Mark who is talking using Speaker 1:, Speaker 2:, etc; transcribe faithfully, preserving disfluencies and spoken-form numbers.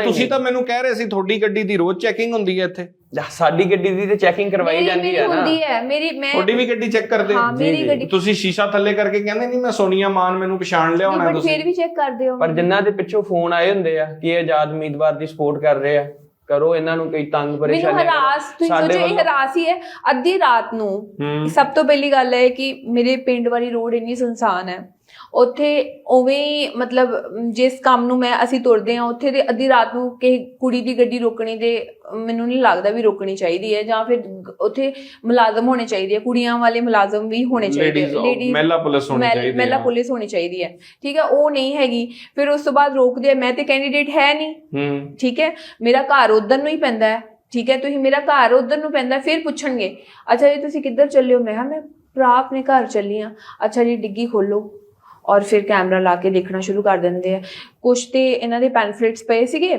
Speaker 1: ਤੁਸੀਂ ਤਾਂ ਮੈਨੂੰ ਕਹਿ ਰਹੇ ਸੀ ਤੁਹਾਡੀ ਗੱਡੀ ਦੀ ਰੋਜ਼ ਚੈਕਿੰਗ ਹੁੰਦੀ ਹੈ ਇੱਥੇ।
Speaker 2: ਸਾਡੀ ਗੱਡੀ ਦੀ ਤੇ ਚੈਕਿੰਗ ਕਰਵਾਈ ਜਾਂਦੀ ਹੈ ਨਾ।
Speaker 3: ਹੁੰਦੀ ਹੈ ਮੇਰੀ, ਮੈਂ
Speaker 1: ਤੁਹਾਡੀ ਵੀ ਗੱਡੀ ਚੈੱਕ ਕਰਦੇ ਹੋ?
Speaker 3: ਹਾਂ ਮੇਰੀ ਗੱਡੀ।
Speaker 1: ਤੁਸੀਂ ਸ਼ੀਸ਼ਾ ਥੱਲੇ ਕਰਕੇ ਕਹਿੰਦੇ ਨਹੀਂ ਮੈਂ ਸੋਨੀਆ ਮਾਨ ਮੈਨੂੰ ਪਛਾਣ ਲਿਆ ਹੋਣਾ
Speaker 3: ਤੁਸੀਂ, ਫਿਰ ਵੀ ਚੈੱਕ ਕਰਦੇ ਹੋ।
Speaker 2: ਪਰ ਜਿਨ੍ਹਾਂ ਦੇ ਪਿੱਛੋਂ ਫੋਨ ਆਏ ਹੁੰਦੇ ਆ ਕਿ ਇਹ ਆਜ਼ਾਦ ਉਮੀਦਵਾਰ ਦੀ ਸਪੋਰਟ ਕਰ ਰਹੇ ਆ, ਕਰੋ ਇਹਨਾਂ ਨੂੰ ਕੋਈ ਤੰਗ ਪਰੇਸ਼ਾਨੀ।
Speaker 3: ਮੈਨੂੰ ਹਰਾਸ, ਤੁਸੀਂ ਸੋਚੋ ਇਹ ਹਰਾਸ ਹੀ ਹੈ। ਅੱਧੀ ਰਾਤ ਨੂੰ, ਸਭ ਤੋਂ ਪਹਿਲੀ ਗੱਲ ਹੈ ਕਿ ਮੇਰੇ ਪਿੰਡ ਵਾਲੀ ਰੋਡ ਇੰਨੀ ਸੁਨਸਾਨ ਹੈ, ਉੱਥੇ ਉਵੇਂ ਮਤਲਬ ਜਿਸ ਕੰਮ ਨੂੰ ਮੈਂ ਅਸੀਂ ਤੁਰਦੇ ਹਾਂ ਉੱਥੇ ਦੇ ਅੱਧੀ ਰਾਤ ਨੂੰ ਕਿਸੇ ਕੁੜੀ ਦੀ ਗੱਡੀ ਰੋਕਣੀ ਤੇ ਮੈਨੂੰ ਨਹੀਂ ਲੱਗਦਾ ਵੀ ਰੋਕਣੀ ਚਾਹੀਦੀ ਹੈ, ਜਾਂ ਫਿਰ ਉੱਥੇ ਮੁਲਾਜ਼ਮ ਹੋਣੇ ਚਾਹੀਦੇ ਆ, ਕੁੜੀਆਂ ਵਾਲੇ ਮੁਲਾਜ਼ਮ ਵੀ ਹੋਣੇ ਚਾਹੀਦੇ ਆ, ਲੇਡੀਜ਼ ਮਹਿਲਾ ਪੁਲਿਸ ਹੋਣੀ ਚਾਹੀਦੀ ਹੈ, ਮਹਿਲਾ ਪੁਲਿਸ ਹੋਣੀ ਚਾਹੀਦੀ ਹੈ, ਠੀਕ ਹੈ। ਉਹ ਨਹੀਂ ਹੈਗੀ, ਫਿਰ ਉਸ ਤੋਂ ਬਾਅਦ ਰੋਕਦੇ ਆ। ਮੈਂ ਤੇ ਕੈਂਡੀਡੇਟ ਹੈ ਨਹੀਂ, ਠੀਕ ਹੈ, ਮੇਰਾ ਘਰ ਉਧਰ ਨੂੰ ਹੀ ਪੈਂਦਾ ਹੈ, ਠੀਕ ਹੈ, ਤੁਸੀਂ ਮੇਰਾ ਘਰ ਉਧਰ ਨੂੰ ਪੈਂਦਾ, ਫਿਰ ਪੁੱਛਣਗੇ ਅੱਛਾ ਜੀ ਤੁਸੀਂ ਕਿੱਧਰ ਚੱਲੇ ਹੋ? ਮੈਂ ਕਿਹਾ ਮੈਂ ਭਰਾ ਆਪਣੇ ਘਰ ਚੱਲੀ ਹਾਂ। ਅੱਛਾ ਜੀ ਡਿੱਗੀ ਖੋਲੋ, ਔਰ ਫਿਰ ਕੈਮਰਾ ਲਾ ਕੇ ਦੇਖਣਾ ਸ਼ੁਰੂ ਕਰ ਦਿੰਦੇ ਆ। ਕੁਛ ਤੇ ਇਹਨਾਂ ਦੇ ਪੈਨਫਲੇਟਸ ਪਏ ਸੀਗੇ,